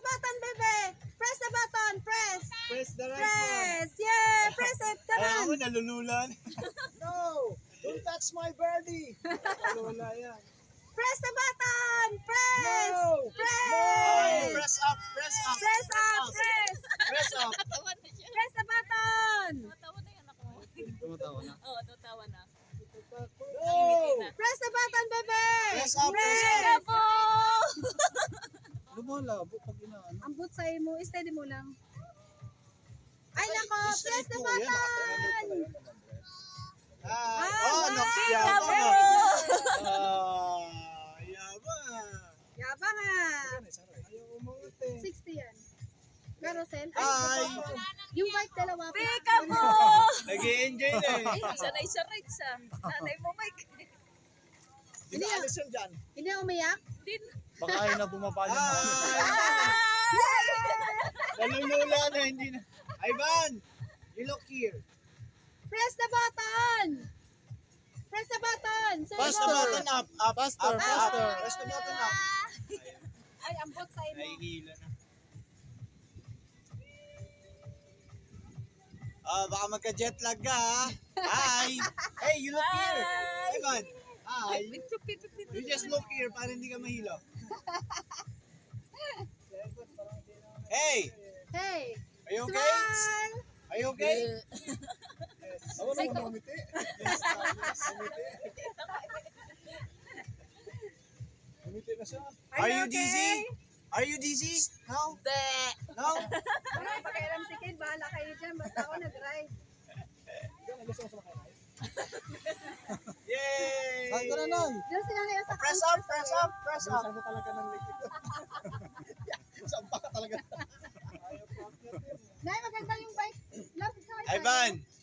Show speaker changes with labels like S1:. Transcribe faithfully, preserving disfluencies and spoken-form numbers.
S1: button, bebe. Press the button. Press.
S2: Press the right one.
S1: Press. Yeah. Press it. Come
S2: Ay, ako
S1: on.
S2: nalululan.
S3: No! Don't touch my birdie!
S2: Nalula yan.
S1: Press the button. Press.
S3: No!
S1: Press.
S2: Press up, press up.
S1: Press up. Press.
S2: Press up.
S4: Tatawa na siya.
S1: Press the button.
S4: Tatawa na yan ako.
S2: Tumatawa na.
S4: Oo, tatawa na.
S3: No!
S1: Press the button, bebe.
S2: Press up, press
S1: Press.
S2: up.
S4: Ako!
S2: Lumalabo pag inaano.
S1: Ang boot sa'yo mo, steady mo lang. Ay, nako,
S2: Straight
S1: press the
S2: mo, yan,
S1: button.
S2: Ah,
S1: Ah,
S2: oh,
S1: nice.
S2: nakyabang
S4: Bravo!
S2: ah. Ah, yabang.
S1: Yabang ah.
S2: Ayaw umangat eh.
S1: sixty yan. Carousel.
S2: Ay,
S1: Yung white dalawa.
S4: Pika mo!
S2: nag-i-enjoy na eh.
S4: Sanay sa rides ah. Nanay mo, Mike.
S3: Hindi na alis yun dyan.
S1: Hindi na umiyak?
S4: Din.
S5: Baka ayaw na bumaba ng
S2: Ay, nalulula na, hindi na. Ivan, you look here.
S1: Press the button. Press the button. Say
S2: Press
S1: go.
S2: the button up, up,
S5: Faster,
S2: up,
S5: faster.
S2: up. Press the button up.
S1: Ay, ang boot sa'yo mo.
S2: Nahihila na. Ah, baka magka-jet lag ka ha. Hi! Hey, you look here.
S4: Hi!
S2: Ivan, hi.
S4: Pip, pip, pip, pip,
S2: You
S4: pip.
S2: just look here para hindi ka mahilo. Hey!
S1: Hey.
S2: Are you okay?
S1: Smile.
S2: Are you okay?
S3: Ako na umamiti. Umiti na siya.
S2: Are you dizzy? Are you dizzy? No?
S4: Be.
S2: No?
S1: Wala kang pakialam si Kid. Bahala kayo dyan. Basta ako nag-ride.
S3: Ikaw, gusto mo sa makakay?
S2: Yay!
S5: Saan ka na nun?
S1: Diyan sila ngayon sa
S2: Press up, press up, press up.
S3: Saan ka talaga ng likid? Saan pa ka talaga?
S1: Nay, maganda yung bike. Love sa
S2: Ivan,